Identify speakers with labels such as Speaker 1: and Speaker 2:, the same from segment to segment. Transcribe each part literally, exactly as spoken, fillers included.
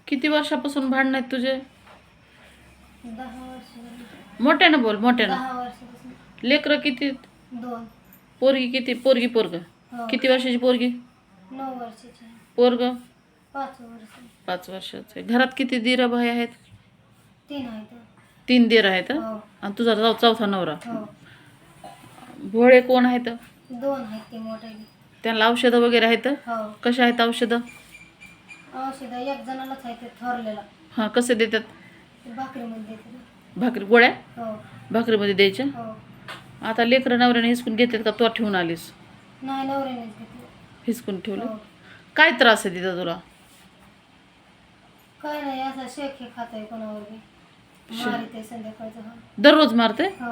Speaker 1: किती वर्षापासून भांडण आहेत तुझे?
Speaker 2: दहा वर्ष झाली.
Speaker 1: मोठ्यानं बोल, मोठ्यानं.
Speaker 2: दहा वर्षापासून.
Speaker 1: लेकरं किती?
Speaker 2: दोन.
Speaker 1: पोरगी किती? पोरगी पोरग
Speaker 2: हो.
Speaker 1: किती वर्षाची पोरगी?
Speaker 2: नऊ वर्षाची.
Speaker 1: पोरग
Speaker 2: पाच वर्ष.
Speaker 1: पाच वर्षाचे. घरात किती दीर भाई आहेत?
Speaker 2: तीन आहेत.
Speaker 1: तीन दीर आहेत.
Speaker 2: हो.
Speaker 1: आणि तुझा चौ- चौथा नवरा.
Speaker 2: हो.
Speaker 1: भोळे कोण आहेत?
Speaker 2: दोन आहेत ते मोठे.
Speaker 1: त्यांना औषधं वगैरे आहेत?
Speaker 2: हो.
Speaker 1: कशा आहेत औषधं?
Speaker 2: औषध एक जणालाच आहे ते थोरलेला.
Speaker 1: हां, कसे देतात?
Speaker 2: ते भाकरीमध्ये देते.
Speaker 1: भाकरी गोळ्या
Speaker 2: हो.
Speaker 1: भाकरीमध्ये द्यायच्या?
Speaker 2: हो.
Speaker 1: आता लेकरं नवऱ्याने हिसकून घेतात का तो ठेवून आलीस?
Speaker 2: नाही, नवऱ्यानेच घेतलं.
Speaker 1: हिसकून ठेवलं.
Speaker 2: हो.
Speaker 1: काय त्रास आहे तिथं तुला?
Speaker 2: काय नाही, असा शेक हे खात आहे कोणावर बी. मारिते संध्याकाळचं. हो.
Speaker 1: दररोज मारते?
Speaker 2: हो.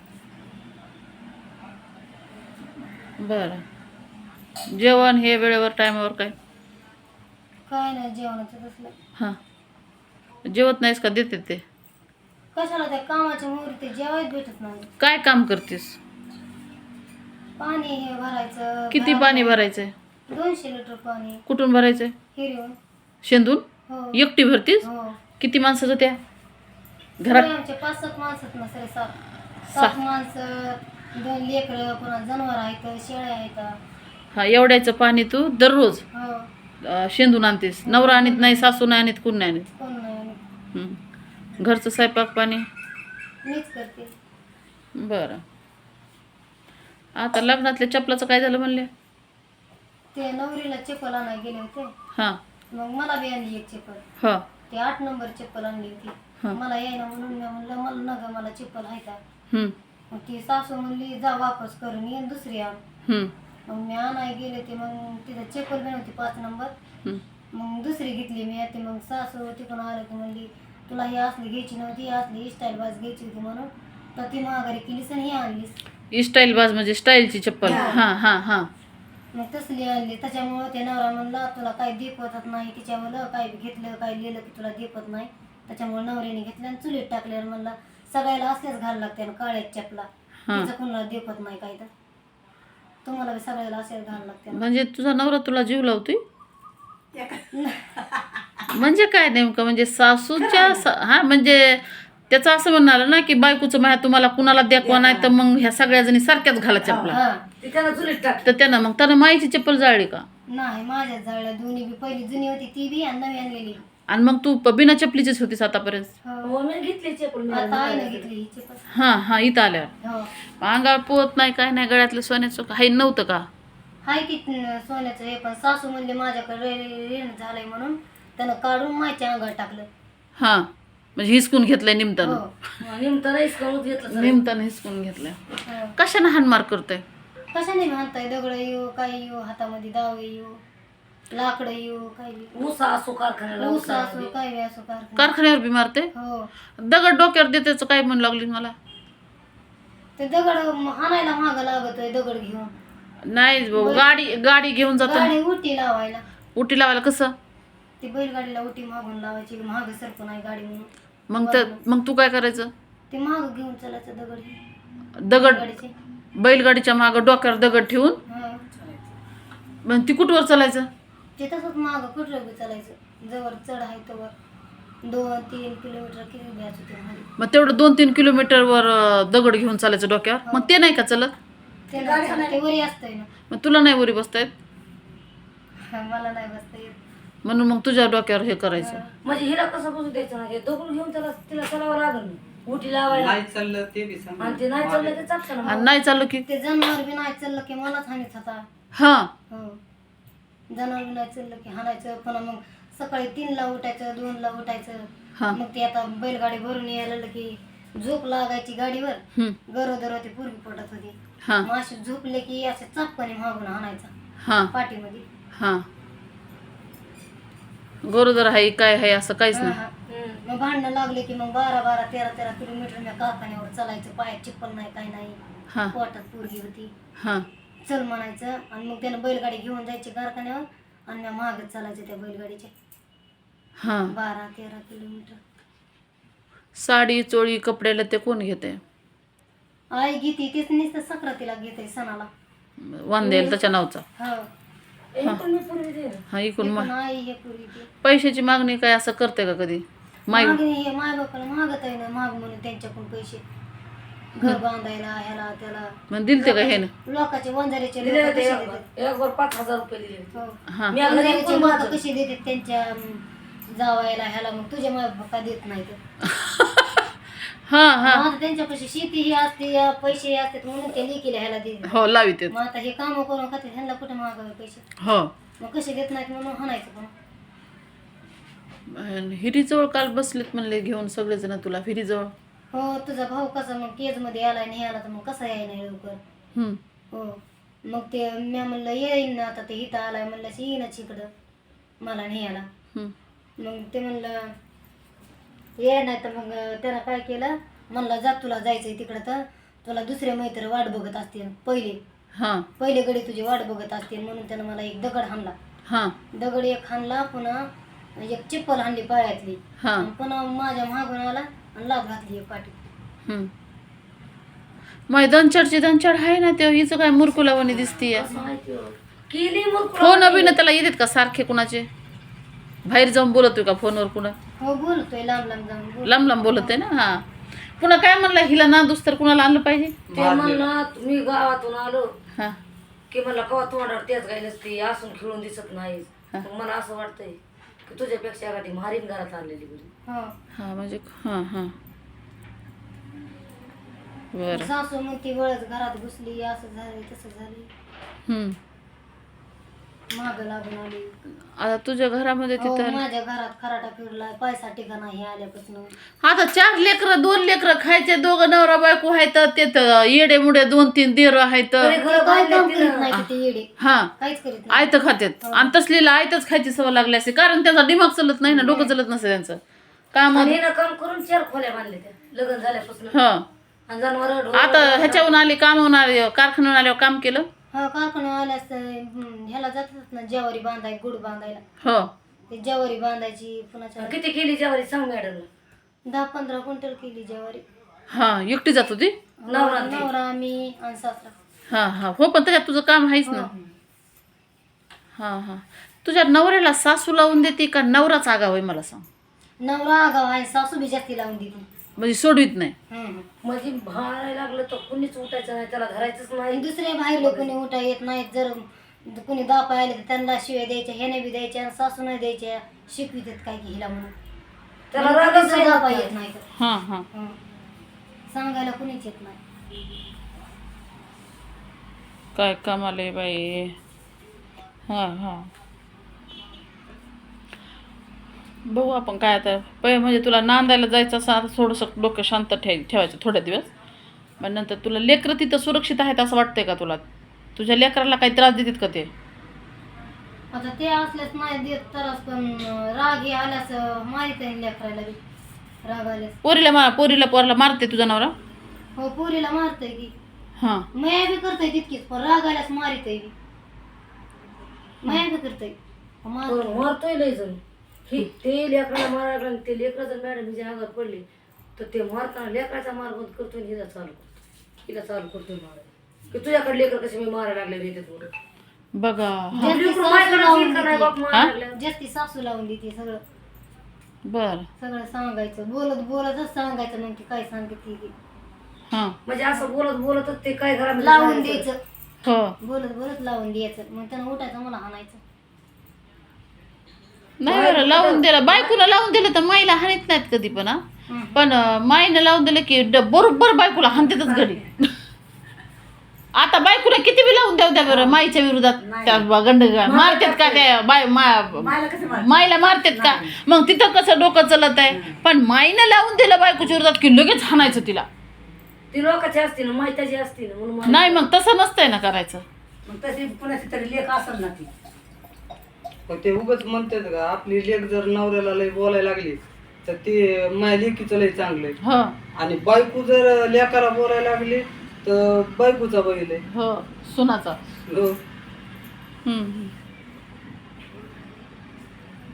Speaker 1: बरं. जेवण हे वेळेवर टायमावर काय?
Speaker 2: काय नाही जेवणाचं तसलं.
Speaker 1: हां, जेवत नाहीस का? देते ते?
Speaker 2: कशाला त्या कामाच्या मुहूर्ती जेवायच भेटत नाही.
Speaker 1: काय काम करतेस?
Speaker 2: पाणी हे भरायचं.
Speaker 1: किती
Speaker 2: घरात
Speaker 1: पाणी भरायचंय?
Speaker 2: दोनशे लिटर पाणी
Speaker 1: कुठून भरायचंय?
Speaker 2: हिरवून.
Speaker 1: शेंदून?
Speaker 2: हो.
Speaker 1: एकटी भरतीस?
Speaker 2: हो.
Speaker 1: किती माणसाचं त्या
Speaker 2: घरात
Speaker 1: घरात?
Speaker 2: आमचे पाच सात माणसं आहेत ना, सरे सात
Speaker 1: सात.
Speaker 2: सात माणसं, दोन लेकरं, पुन्हा जनावर आहेत, शेळ्या आहेत.
Speaker 1: हा, एवढ्याचं पाणी तू दररोज
Speaker 2: हो.
Speaker 1: अं, शेंदून आणतेस? नवरा आणत नाही, सासू नाही आणत, कोण नाही आणत?
Speaker 2: कोण नाही.
Speaker 1: हं. घरचं स्वयंपाक पाणी?
Speaker 2: मीच करते.
Speaker 1: बरं. आता लग्नातल्या चपलाचं काय झालं म्हणले?
Speaker 2: ते नवरीला चप्पल आणायला गेले होते.
Speaker 1: हां.
Speaker 2: मग मला बी आणली एक चप्पल.
Speaker 1: हो.
Speaker 2: ते आठ नंबर चप्पल आणली होती.
Speaker 1: हा.
Speaker 2: मला यायला म्हणून मी म्हणलं मला नग मला चप्पल आहे का.
Speaker 1: हं.
Speaker 2: मग ती सासू म्हणली जा वापस करून ये दुसरी आण.
Speaker 1: हं.
Speaker 2: मग मी आणाय गेले ते मग तिथं चप्पल बी नव्हती पाच नंबर.
Speaker 1: हं.
Speaker 2: मग दुसरी घेतली मी. ते मग सासू तिकडून आलं की म्हणली तुला ही असली घ्यायची नव्हती, ही असली स्टाईल बाज घ्यायची होती म्हणून तर ती माघारी केलीस आणि ही आणलीस.
Speaker 1: स्टाईल बाज म्हणजे स्टाईलची चप्पल?
Speaker 2: हा.
Speaker 1: हां हां हां.
Speaker 2: मग तसली आणली. त्याच्यामुळं ते नवरा म्हणला तुला काही देपवत नाही तिच्यामुळं, काय घेतलं काय लिहिलं की तुला देपत नाही. त्याच्यामुळे नवऱ्याने घेतलं आणि चुलीत टाकल्यावर म्हणला सगळ्याला असल्याच घाल लागते आणि काळ्याच चपला,
Speaker 1: हां.
Speaker 2: तिचं कुणाला देपत नाही काय तर तुम्हाला बी सगळ्याला असल्याच घाल लागते.
Speaker 1: म्हणजे तुझा नवरा तुला जीव लावतोय? म्हणजे काय नेमकं? म्हणजे सासूच्या सा- हा, म्हणजे त्याचं असं म्हणणार ना की बायकोचं माया तुम्हाला कुणाला द्यावा नाही तर मग ह्या सगळ्या जणी सारख्याच घाला चपला.
Speaker 2: हा.
Speaker 1: तर त्यानं मग त्यानं माईची चप्पल जाळली का?
Speaker 2: नाही, माझ्याच जाळल्या दोन्ही बी. पहिली जुनी होती ती बी आणि नवी आणलेली.
Speaker 1: आणि मग तू प- बिना चपलीचीच होतीस आतापर्यंत?
Speaker 2: हो. आता आईनं घेतली ही चप्पल.
Speaker 1: हां हां, इथं आल्यावर
Speaker 2: हो.
Speaker 1: अंगावर पोहत नाही काय नाही, गळ्यातलं सोन्याचं काही नव्हतं का?
Speaker 2: हाय की सोन्याचं हे, पण सासू म्हणले माझ्याकडे ऋण झालंय म्हणून त्यानं काढून माझ्या अंगावर टाकलं.
Speaker 1: हां, म्हणजे हिसकून घेतलंय निमतानं?
Speaker 2: हो.
Speaker 1: निमतानं हिसकून घेतलंय.
Speaker 2: हो.
Speaker 1: कशानं हाणमार करतोय?
Speaker 2: कशाने म्हणताय दगड येऊ काय येऊ हातामध्ये दावे येऊ लाकडं येऊ काय बी.
Speaker 3: ऊस असो कारखान्याला
Speaker 2: ऊस असो काय बी असो कारखाना.
Speaker 1: कारखान्यावर बी मारते?
Speaker 2: हो.
Speaker 1: दगड डोक्यावर देतेच काय म्हणू लागली मला?
Speaker 2: ते दगड आणायला महाग लागतोय दगड घेऊन.
Speaker 1: नाही भाऊ, गाडी गाडी घेऊन जातो.
Speaker 2: गाडी उटी लावायला.
Speaker 1: उटी लावायला कसं?
Speaker 2: ती बैलगाडीला उटी मागून लावायची, महाग सरकून नाही गाडी म्हणून.
Speaker 1: मग तर मग तू काय करायचं?
Speaker 2: ते महाग घेऊन चालायचं दगड.
Speaker 1: दगड
Speaker 2: गाडीचे.
Speaker 1: बैलगाडीच्या मागं डोक्यावर दगड ठेवून
Speaker 2: हा.
Speaker 1: मग ती कुठवर चालायचं?
Speaker 2: ते तसंच महाग कुठलं बी चालायचं. जवळ चढ आहे तवर दोन तीन किलोमीटर किती द्यायचं ते महाग.
Speaker 1: मग तेवढं दोन तीन किलोमीटरवर अं, दगड घेऊन चालायचं डोक्यावर? मग ते नाही का चलत?
Speaker 2: ते नाही चालत, ते वरी असतंय ना.
Speaker 1: मग तुला नाही वरी बसता येत?
Speaker 2: मला नाही बसता येत.
Speaker 1: म्हणून मग तुझ्या डोक्यावर हे करायचं.
Speaker 3: म्हणजे हिला कसं बसू द्यायचं नाही, दगड घेऊन त्याला तिला चालावं लागल ना. उठी लावायला
Speaker 4: नाही चाललं ते बी सांग.
Speaker 3: आणि ते नाही चाललं ते चालतं ना.
Speaker 1: आणि नाही चाललं की?
Speaker 2: ते जनावर बी नाही चाललं की मलाच हानीत होता.
Speaker 1: हां.
Speaker 2: हो. जनावर बी नाही चाललं की हाणायचं. पुन्हा मग सकाळी तीनला उठायचं, दोनला उठायचं.
Speaker 1: हां.
Speaker 2: मग ते आता बैलगाडी भरून यायला लागलं की झोप लागायची गाडीवर.
Speaker 1: हं.
Speaker 2: गरोदर होती पूर्वी पडत होती.
Speaker 1: हां.
Speaker 2: मग अशी झोपले की असे चापकाने मागून हाणायचा
Speaker 1: हां.
Speaker 2: पाठीमध्ये.
Speaker 1: हां. गरोदर आहे काय आहे असं काहीच
Speaker 2: हा,
Speaker 1: नाही?
Speaker 2: हा. मग भांडणं लागले की मग बारा बारा तेरा तेरा किलोमीटर मी कारखान्यावर चालायचं. पायात चिप्पल नाही काय नाही.
Speaker 1: हां.
Speaker 2: पोटात पोरगी होती.
Speaker 1: हां.
Speaker 2: चल म्हणायचं आणि मग त्यानं बैलगाडी घेऊन जायची कारखान्यावर आणि मी मागत चालायचं त्या बैलगाडीच्या.
Speaker 1: हां.
Speaker 2: बारा तेरा किलोमीटर.
Speaker 1: साडी चोळी कपड्याला ते कोण घेते?
Speaker 2: आई घेते तेच नुसतं सक्रातीला घेते सणाला.
Speaker 1: वांदेल त्याच्या नावचा?
Speaker 2: हो.
Speaker 3: इकडून मी पूर्वी दे ना.
Speaker 1: हा इकडून मा
Speaker 2: पण आई हे पुरी ते
Speaker 1: पैशाची मागणी काय असं करते का कधी माई
Speaker 2: मागणी हे माय बापाला मागत आहे ना माग म्हणून त्यांच्याकडून पैसे घर बांधायला ह्याला त्याला
Speaker 1: मग दिलते का हे ना
Speaker 2: लोकांचे वंजारीचे
Speaker 3: दिले
Speaker 2: लोक
Speaker 3: होते
Speaker 2: कसे
Speaker 3: एक
Speaker 2: देतात
Speaker 3: वर- एक वर पाच हजार रुपये दिले होते.
Speaker 2: हो.
Speaker 1: हा
Speaker 3: मी अगदी
Speaker 2: वंजारीचे
Speaker 3: इकडून
Speaker 2: लोक
Speaker 3: माझं.
Speaker 2: कसे देतात त्यांच्या अं, जावायला ह्याला मग तुझ्या माय बापा देत नाही तर
Speaker 1: हा हा
Speaker 2: मग आता त्यांच्यापाशी शेती ही असते पैसे असतात म्हणून ते लेकीला ह्याला देतात
Speaker 1: हो लावित
Speaker 2: मग आता हे काम करून खाते ह्यांना कुठे मागावे पैसे
Speaker 1: हो
Speaker 2: मग कसे देत नाहीत म्हणून हाणायचं पण
Speaker 1: आणि हिरीजवळ काल बसलेत म्हणले घेऊन सगळेजण तुला हिरीजवळ
Speaker 2: हो तुझा भाऊ कसा मग केज मध्ये आलाय नाही आला तर मग कसा याय नाही लवकर
Speaker 1: हम्म
Speaker 2: हो मग ते मी म्हणलं येईन ना आता ते इथं आलाय म्हणलं येईनच इकडं मला न्यायला
Speaker 1: हम्म
Speaker 2: मग ते म्हणलं ये नाही तर मग त्यानं काय केलं म्हणलं जा तुला जायचंय तिकडं तर तुला दुसरे मैत्र वाट बघत असतील पहिले
Speaker 1: हा
Speaker 2: पहिले गडी तुझी वाट बघत असतील म्हणून त्यानं मला एक दगड हाणला
Speaker 1: हा
Speaker 2: दगड एक हाणला पुन्हा एक चिप्पल हाणली पायातली
Speaker 1: हा
Speaker 2: आणि पुन्हा माझ्या मागून आला आणि लाभ घातली एक पाठी
Speaker 1: हम्म मग दंचडची दंचड आहे ना ते हिचं काय मुरकुलावानी दिसतीये
Speaker 3: असं माहिती हो. केली मग
Speaker 1: फोन अभिनय त्याला येतात का सारखे कुणाचे बाहेर जाऊन बोलतोय का फोनवर कुणा
Speaker 2: हो बोलतोय लांब लांब जाऊन बोल
Speaker 1: लांब लांब बोलत आहे ना हा पुन्हा काय म्हणलं हिला नांदूस तर कुणाला आणलं पाहिजे
Speaker 3: ते म्हणलं मी गावातून आलो
Speaker 1: हा
Speaker 3: की मला कवा तोंडावर तेच काही नसते असून खेळून दिसत नाही मग मला असं वाटतंय की तुझ्यापेक्षा गाठी मारीन घरात आणलेली बरी.
Speaker 2: हो
Speaker 1: हा म्हणजे हा हा बरं
Speaker 2: सासू मग ती वळच घरात घुसली असं झालं तसं झालं
Speaker 1: हम्म
Speaker 2: माग लागून आली
Speaker 1: आता तुझ्या घरामध्ये
Speaker 2: हो,
Speaker 1: तिथं
Speaker 2: माझ्या घरात खराटा फिरलाय पैसा ठिकाणा हे आल्यापासून
Speaker 1: आता चार लेकरं दोन लेकरं खायचे दोघं नवरा बायको आहेत ते तर येडे मुडे दोन तीन देर आहेत
Speaker 3: तरी घरं
Speaker 2: काय काम
Speaker 3: बांधले
Speaker 2: करीत
Speaker 3: तिनं.
Speaker 2: नाही ते येडे
Speaker 1: हा
Speaker 2: काहीच करीत नाही
Speaker 1: आयत खात्यात आणि तसलीला आयतच खायची सवय लागली असते कारण त्यांचा दिमाग चालत नाही ना डोकं चालत नसतं त्यांचं काम
Speaker 3: आणि हिनं काम करून चार खोल्या बांधल्या त्या लग्न झाल्यापासून
Speaker 1: हा
Speaker 3: आणि जनावर
Speaker 1: आता ह्याच्याहून आली कामावून आली कारखान्यावर आल्यावर काम केलं
Speaker 2: हा कारखाना आल्यास हम्म, ह्याला जातात ना ज्वारी बांधाय गुड बांधायला
Speaker 1: हो
Speaker 2: ते ज्वारी बांधायची पुन्हा
Speaker 3: किती केली ज्वारी सांग मॅडम
Speaker 2: दहा पंधरा क्विंटल केली ज्वारी
Speaker 1: हा एकटी जात होती
Speaker 3: नवरा ते.
Speaker 2: नवरा मी आणि सासरा
Speaker 1: हा हा हो पण त्याच्यात तुझं काम आहेच ना हा हा तुझ्या नवऱ्याला सासू लावून देते का नवराच आगाव आहे मला सांग
Speaker 2: नवरा आगाव आहे सासू बी जास्ती लावून देते
Speaker 1: म्हणजे सोडवीत नाही
Speaker 2: हम्म.
Speaker 3: म्हणजे भारायला लागलं तर कुणीच उठायचं नाही त्याला धरायचंच
Speaker 2: आणि
Speaker 3: नाही
Speaker 2: दुसरे बाहेर कोणी उठा येत नाहीत जर कोणी दापा आले तर त्यांना शिव्या द्यायच्या ह्याने बी द्यायच्या आणि सासू नाही द्यायच्या शिकवितात काय की हिला म्हणून
Speaker 3: त्याला
Speaker 2: आणि
Speaker 3: रागच
Speaker 2: कोणीच दापा
Speaker 3: नाही
Speaker 2: येत नाही तर.
Speaker 1: हा हा
Speaker 2: हं. सांगायला कुणीच येत नाही
Speaker 1: काय कमाल आहे बाई हा हा बघू आपण काय आता पहिले म्हणजे तुला नांदायला जायचं असं आता थोडंसं डोकं शांत ठेव ठेवायचं थोड्या दिवस मग नंतर तुला लेकरं तिथं सुरक्षित आहेत असं वाटतंय का तुला तुझ्या लेकराला काही त्रास देतात का ते
Speaker 2: आता ते असल्यास नाही देत तरच पण राग हे आल्यास मारित आहे लेकरायला बी राग आल्यास
Speaker 1: पोरीला मा पोरीला पोराला मारते तुझा नवरा
Speaker 2: हो पोरीला मारतय की
Speaker 1: हां
Speaker 2: माया बी करतय तितकीच पण राग आल्यास मारितय बी माया बी करतय मारतय.
Speaker 3: पण मारतोय लय जण ही ते लेकराला मारायला आणि ते लेकरं जर मॅडम हिच्या अंगावर पडली तर ते मारताना लेकराचा मार बंद करतोय आणि हिला चालू करतो हिला चालू करतोय मारायला की तुझ्याकडे लेकर कसे मी मारायला लागले रे ते थोडं
Speaker 1: बघा
Speaker 2: जास्ती
Speaker 3: लेकरं
Speaker 2: सासू
Speaker 3: माझ्याकडे
Speaker 2: लावून
Speaker 3: येईल का नाही
Speaker 2: देते.
Speaker 3: बाप मारायला लागल्यावर?
Speaker 2: जास्ती सासू लावून देते सगळं
Speaker 1: बर
Speaker 2: सगळं सांगायचं बोलत बोलतच सांगायचं मग ती काय सांगते ती
Speaker 1: हां
Speaker 3: म्हणजे असं बोलत बोलतच ते काय घरामध्ये
Speaker 2: लावून
Speaker 3: झालं.
Speaker 2: द्यायचं
Speaker 1: हो
Speaker 2: बोलत बोलत लावून द्यायचं मग त्यानं उठायचं मला हाणायचं
Speaker 1: नाही बरं लावून दिलं बायकोला लावून दिलं तर माईला हाणत नाहीत कधी पण हा
Speaker 2: हं.
Speaker 1: पण अं, माईनं लावून दिलं की ड- बरोबर बायकोला हाणतातच घरी आता बायकोला किती बी लावून द्या द्या बरं माईच्या विरोधात त्या ब- गंड मारतात का काय बाय मा- माईला मारतात का मग तिथं कसं डोकं चलत आहे पण माईनं लावून दिलं बायकोच्या विरोधात की लगेच हाणायचं तिला
Speaker 3: ती लोकांची असते ना माहिताची असते ना म्हणून मार-
Speaker 1: नाही मग तसं नसतंय ना करायचं
Speaker 4: मग तशी पुण्याची तरी लेख असेल ना ती पण ते उगाच म्हणतात का आपली लेख जर नवऱ्याला लय बोलायला लागली तर ते माझ्या लेकीचं लय चांगलं आहे
Speaker 1: हो
Speaker 4: आणि बायको जर लेकाला बोलायला लागली तर बायकोचा बैल आहे
Speaker 1: हो सुनाचा
Speaker 4: हो.
Speaker 1: हम्म, हम्म.